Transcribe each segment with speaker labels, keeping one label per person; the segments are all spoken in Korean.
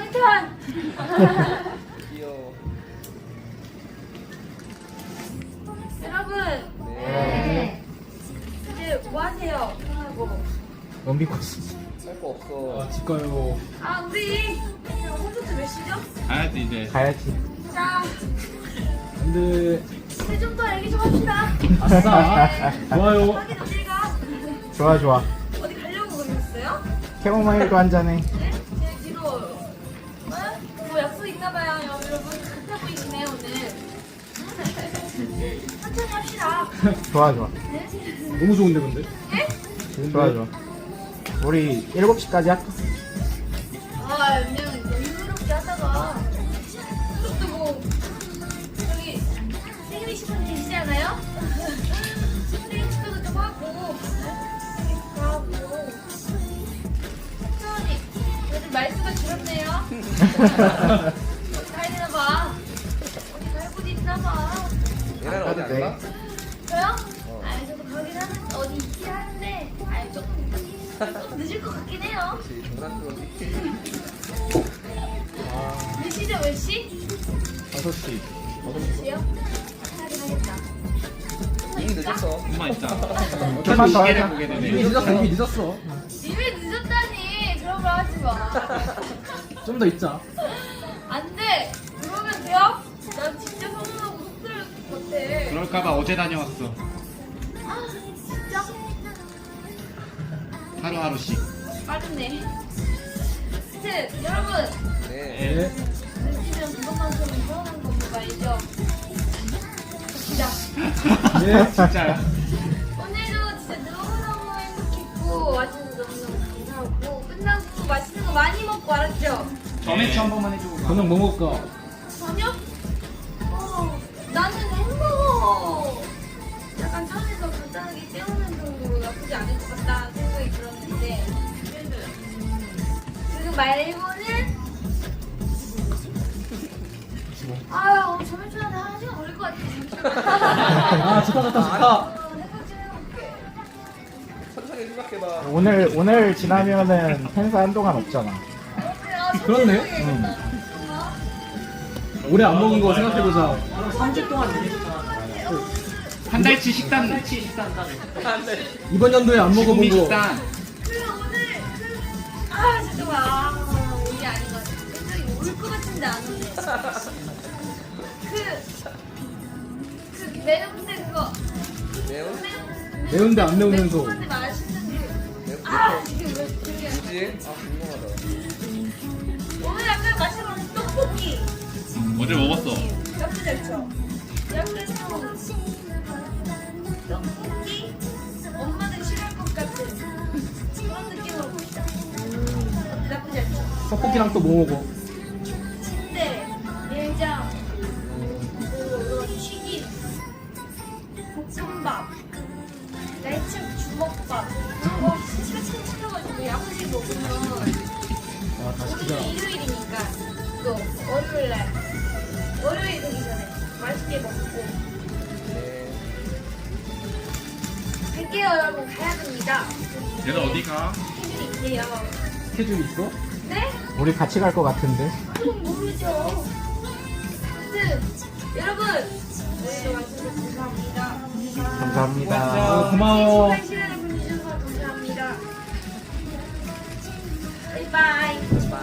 Speaker 1: 타이탄.
Speaker 2: 귀여워.
Speaker 1: 여러분
Speaker 2: 네.
Speaker 1: 이제 뭐 하세요? 하고.
Speaker 3: 원비코스.
Speaker 2: 할 거 없어.
Speaker 3: 집 가요.
Speaker 1: 아 우리 콘서트 몇 시죠?
Speaker 4: 가야지 이제.
Speaker 3: 가야지.
Speaker 1: 자
Speaker 3: 근데
Speaker 1: 이제 좀 더 얘기 좀 합시다.
Speaker 3: 아싸. 좋아요.
Speaker 1: 하긴 어딜 가?
Speaker 3: 좋아 좋아.
Speaker 1: 어디 가려고 그러셨어요?
Speaker 3: 캐모마일도 한 잔해.
Speaker 1: 네? 제 뒤로 뭐 약속 있나봐요 여러분. 급해 보이시네요 오늘. 천천히 합시다.
Speaker 3: 좋아 좋아.
Speaker 1: 네?
Speaker 3: 너무 좋은데 근데?
Speaker 1: 네?
Speaker 3: 좋아 좋아. 우리 7시까지 할까?
Speaker 1: 아 그냥 여유롭게 하다가 또 뭐 저기 생일이신 분 계시지 않아요? 생일 축하도 좀 하고 천천히 요즘 말수가 줄었네요. 어디 가야 되나 봐. 어디 갈 곳이 있나 봐.
Speaker 2: 얘네는 어디 안 가?
Speaker 1: 저요? 아니 저도 가긴 하는데 어디 있긴 하는데 아니 조금 늦을 것 같긴 해요.
Speaker 2: 그렇지. 장난꾸러기.
Speaker 1: 몇 시죠 몇 시?
Speaker 3: 5시.
Speaker 1: 5시요? 하긴 하겠다.
Speaker 2: 이미 늦었어.
Speaker 4: 엄마 있다.
Speaker 3: 좀만 더
Speaker 4: 시계를
Speaker 3: 하자.
Speaker 4: 보게 되네.
Speaker 3: 이미 늦었어. 이미 늦었어.
Speaker 1: 이미 늦었다니 그런 말 하지 마.
Speaker 3: 좀 더 있자.
Speaker 1: 안 돼. 그러면 돼요? 난 진짜 서운하고 속상할 것 같아.
Speaker 4: 그럴까봐 어제 다녀왔어.
Speaker 1: 아 진짜?
Speaker 4: 하루하루씩.
Speaker 1: 빠르네. 하여튼 여러분
Speaker 2: 네.
Speaker 3: 네.
Speaker 1: 늦으면 그것만큼은 서운한 겁니다 알죠? 갑시다.
Speaker 3: 네.
Speaker 4: 진짜야.
Speaker 1: 오늘도 진짜 너무너무 행복했고 와주셔서 너무너무 감사하고 끝나고 맛있는 거 많이 먹고 알았죠?
Speaker 4: 점액 한 번만 해주고 가.
Speaker 3: 저녁 뭐 먹을까?
Speaker 1: 저녁? 나는 햄버거 약간 차에서 간단하게 때우는 정도로 나쁘지 않을 것 같다 생각이 들었는데 그거 말고는 아유 저녁 전에 1시간 걸릴 것 같아 잠시만
Speaker 3: 아 좋다 좋다 좋다.
Speaker 1: 생각 좀 해볼게.
Speaker 2: 천천히 생각해봐.
Speaker 3: 오늘 지나면은 행사 한동안 없잖아.
Speaker 1: 그래요?
Speaker 3: 그렇네.
Speaker 1: 천천히
Speaker 3: 올해 안 먹은 거 생각해보자.
Speaker 4: 한 달치 식단.
Speaker 3: 이번 연도에 안 먹어본
Speaker 4: 지구미
Speaker 3: 거.
Speaker 4: 식단.
Speaker 1: 오늘 잠깐만 이게 아닌 것 같아 굉장히 올것 같은데 안 오네 그 매운데 그거
Speaker 2: 매운?
Speaker 3: 매운데 안 매우면서.
Speaker 1: 매운데 맛있는
Speaker 2: 매운?
Speaker 1: 이게 왜 그게
Speaker 2: 뭐지? 아, 궁금하다.
Speaker 1: 오늘 약간 마시는 떡볶이
Speaker 4: 어제 먹었어.
Speaker 1: 나쁘지 않죠? 약간 떡볶이 엄마는 싫어할 것 같은 그런 느낌으로 먹자 나쁘지 않죠?
Speaker 3: 떡볶이랑 또 뭐 먹어?
Speaker 1: 침대, 내장, 튀김, 볶음밥, 날치 주먹밥. 진짜 참 시켜가지고 야무지게 먹으면
Speaker 3: 아 다시
Speaker 1: 오늘
Speaker 3: 기자.
Speaker 1: 일요일이니까 또 월요일날 월요일 되기 전에 맛있게 먹고
Speaker 2: 네.
Speaker 1: 갈게요 여러분 가야 됩니다.
Speaker 4: 얘는 어디 가?
Speaker 1: 해준이 있대요.
Speaker 3: 스케줄 있어?
Speaker 1: 네?
Speaker 3: 우리 같이 갈 것 같은데.
Speaker 1: 그건 모르죠. 아무튼 여러분 오늘도 와주셔서 감사합니다.
Speaker 3: 감사합니다. 고마워.
Speaker 1: 소중한 시간을 보내주셔서 감사합니다. 바이바이.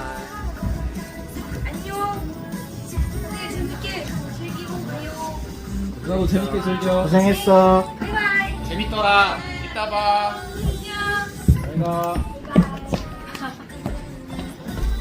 Speaker 1: 안녕. 오늘 재밌게 즐기고 가요.
Speaker 3: 나도 재밌게 즐겨.
Speaker 5: 고생했어.
Speaker 1: 바이바이.
Speaker 4: 재밌더라. 이따 봐.
Speaker 1: 안녕.
Speaker 3: 잘 가.